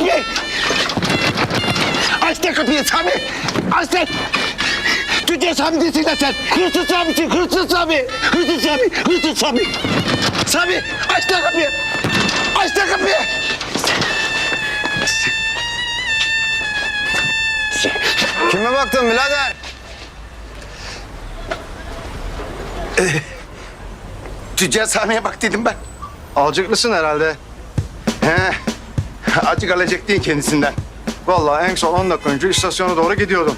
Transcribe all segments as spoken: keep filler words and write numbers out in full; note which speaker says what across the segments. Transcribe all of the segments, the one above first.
Speaker 1: Sami! Aç da kapıyı Sami! Aç lan! Tüccar Sami değilsin lan sen! Hırsız Sami'sin, hırsız Sami! Hırsız Sami, hırsız Sami! Sami! Aç da kapıyı! Aç da kapıyı!
Speaker 2: Kime baktın birader?
Speaker 1: Tüccar Sami'ye bak dedim ben.
Speaker 2: Alcıklısın herhalde.
Speaker 1: He, acık alacak değil kendisinden.
Speaker 2: Vallahi en son on dakika önce istasyona doğru gidiyordum.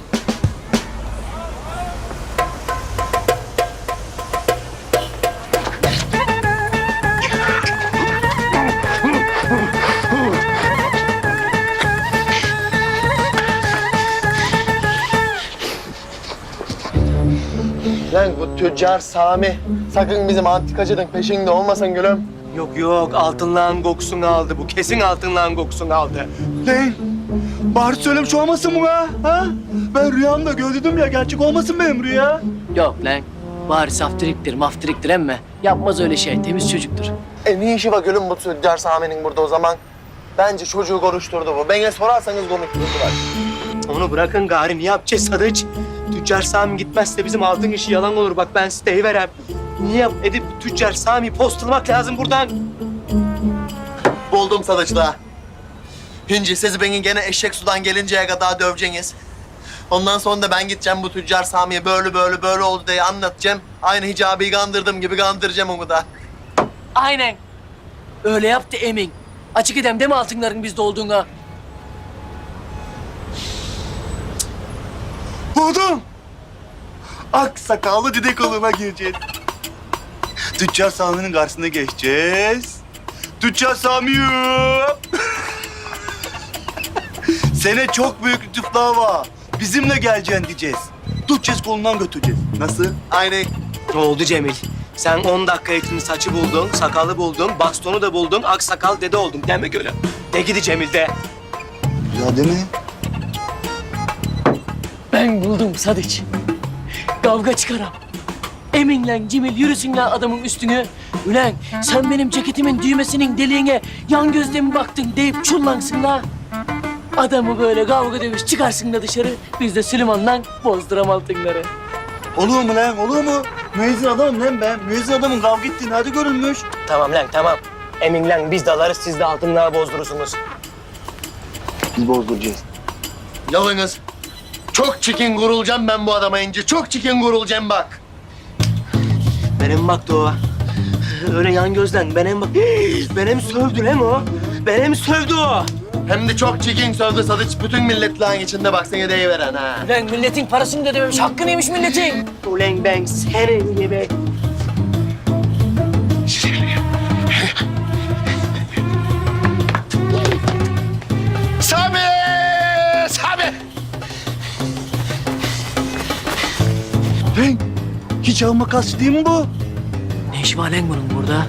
Speaker 3: Lan bu tüccar Sami. Sakın bizim antikacının peşinde olmasan gülüm.
Speaker 4: Yok yok altınlağın kokusunu aldı bu. Kesin altınlağın kokusunu aldı.
Speaker 5: Lan bari söylemiş olmasın bu ha? ha? Ben rüyamda gördüm ya, gerçek olmasın benim rüya.
Speaker 6: Yok lan. Bari saftiriktir, maftiriktir emme. Yapmaz öyle şey. Temiz çocuktur.
Speaker 3: E ne işi var gülüm bu tüccar Sami'nin burada o zaman? Bence çocuğu konuşturdu bu. Bana sorarsanız konuşturdular.
Speaker 4: Onu bırakın gari ne yapacağız Sadıç? Tüccar Sami gitmezse bizim altın işi yalan olur. Bak ben size deyiverem. Niye edip Tüccar Sami postulamak lazım buradan?
Speaker 3: Buldum sadıçla. Hinci siz beni gene eşek sudan gelinceye kadar döveceğiniz. Ondan sonra da ben gideceğim bu tüccar Sami'ye böyle böyle böyle oldu diye anlatacağım. Aynı hicabiyi kandırdığım gibi kandıracağım onu da.
Speaker 6: Aynen. Öyle yaptı emin. Açık edem deme altınların bizde olduğuna.
Speaker 5: Buldum. Ak sakallı dide koluna gireceğiz. Tüccar Sami'nin karşısına geçeceğiz. Tüccar Sami'yim. Sene çok büyük lütuflar var. Bizimle geleceksin diyeceğiz. Tutacağız, kolundan götüreceğiz. Nasıl?
Speaker 3: Aynı.
Speaker 4: Ne oldu Cemil? Sen on dakika içinde saçı buldun, sakalı buldun, bastonu da buldun, aksakal dede oldun. Deme öyle. De gidi Cemil de.
Speaker 5: Ya değil mi?
Speaker 6: Ben buldum Sadıç. Kavga çıkaram. Eminle Cemil yürüsün lan adamın üstüne. Ulan sen benim ceketimin düğmesinin deliğine yan gözle mi baktın deyip çullansın la. Adamı böyle kavga dövüş çıkarsın da dışarı. Biz de Süleyman'la bozduram altınları.
Speaker 5: Olur mu lan, olur mu? Müezzin adamım lan ben. Müezzin adamın kavga ettiğini hadi görülmüş.
Speaker 4: Tamam lan tamam. Emin lan biz de alırız siz de altınlığa bozdurursunuz.
Speaker 5: Biz bozduracağız.
Speaker 3: Yalınız. Çok çikin gurulacağım ben bu adama ince. Çok çikin gurulacağım bak.
Speaker 4: Benim baktı o. Öyle yan gözden benim bak. Benim sövdü lan o. Benim sövdü o.
Speaker 3: Hem de çok çikin sövdü sadıç. Bütün milletlerin içinde bak seni deyiveren ha.
Speaker 6: Ulan milletin parasını da ödememiş. Hakkı neymiş milletin?
Speaker 4: Ulan ben senin gibi.
Speaker 1: Sami! Sami!
Speaker 5: Lan hiç alma kastı değil mi bu?
Speaker 6: Ne işi var lan bunun burada?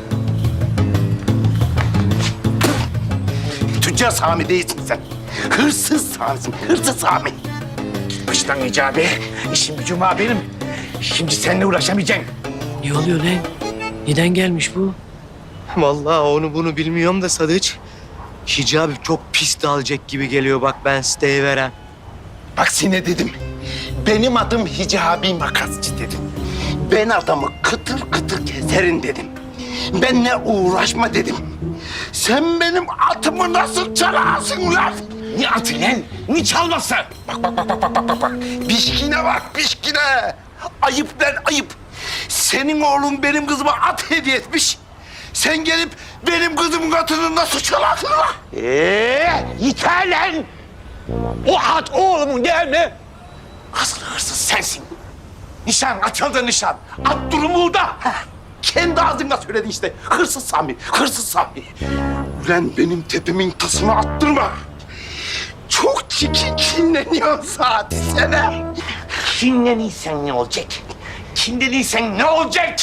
Speaker 1: Tüccar Sami değilsin sen. Hırsız Sami'sin, hırsız Sami. Git baştan Hicabi. İşim gücüm var benim. Şimdi seninle uğraşamayacağım.
Speaker 6: Ne oluyor lan? Neden gelmiş bu?
Speaker 4: Vallahi onu bunu bilmiyorum da Sadıç. Hicabi çok pis dalacak gibi geliyor bak ben siteyi veren.
Speaker 1: Bak sine dedim. Benim adım Hicabi Makasçı dedim. Ben adamı kıtır kıtır keserim dedim. Benle uğraşma dedim. Sen benim atımı nasıl çalarsın lan? Ne atı lan? Ne çalması? Bak bak bak bak bak bak bak bak. Pişkine bak pişkine. Ayıp lan ayıp. Senin oğlun benim kızıma at hediye etmiş. Sen gelip benim kızımın atını nasıl çalarsın lan? Ee, yeter lan. O at oğlumun değil mi? Asıl hırsız sensin. Nişan açıldı nişan. At durumu da. Kendi ağzınla söyledin işte. Hırsız Sami, hırsız Sami. Ulan benim tepemin tasını attırma. Çok çirkin kinleniyorsun zaten sana. Kinleniysen ne olacak? Kinleniysen ne olacak?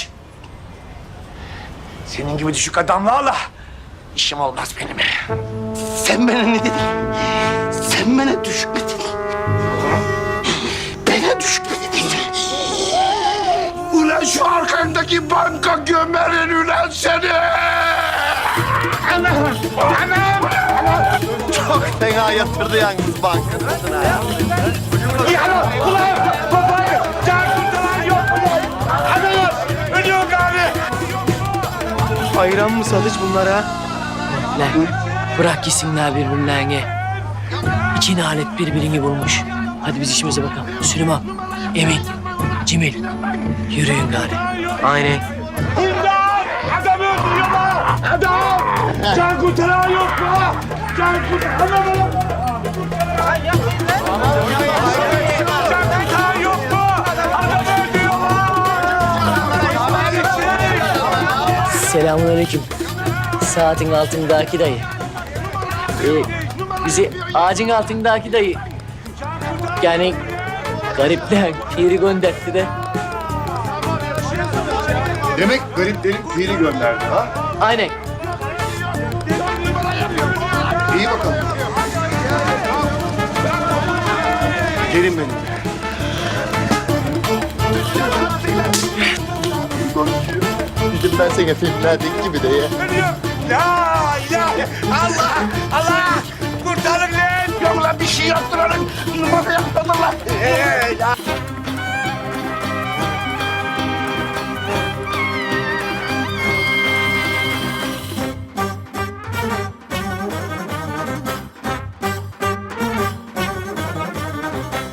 Speaker 1: Senin gibi düşük adamlarla işim olmaz benim. Sen bana ne dedin? Sen bana düşük mü dedin? Bana düşük mü dedin? Ulan şu arkandaki banka gömerin ulan seni! Anam! Anam! Çok
Speaker 3: Çok fena yatırdı yalnız bankasına.
Speaker 4: Ayran mı Sadıç bunlara?
Speaker 6: Lan bırak gitsinler birbirlerine. İki nalet birbirini bulmuş. Hadi biz işimize bakalım. Süleyman, Emin, Cemil. Yürüyün gari.
Speaker 4: Aynen.
Speaker 5: Adam öldürüyorlar! Adam! Can kurtaran yok mu? Can kurtaran yok mu? Can kurtaran yok mu? Adam öldürüyorlar!
Speaker 6: Selamünaleyküm. Saatin altındaki dayı. Ee, bizi ağacın altındaki dayı. Yani garipler piri gönderdi de.
Speaker 7: Demek gariplerin piri gönderdi ha?
Speaker 6: Aynen.
Speaker 7: İyi bakalım. Gelin benim.
Speaker 1: Dedim ben sana filmlerdeki gibi de ya.
Speaker 5: La ilahe Allah!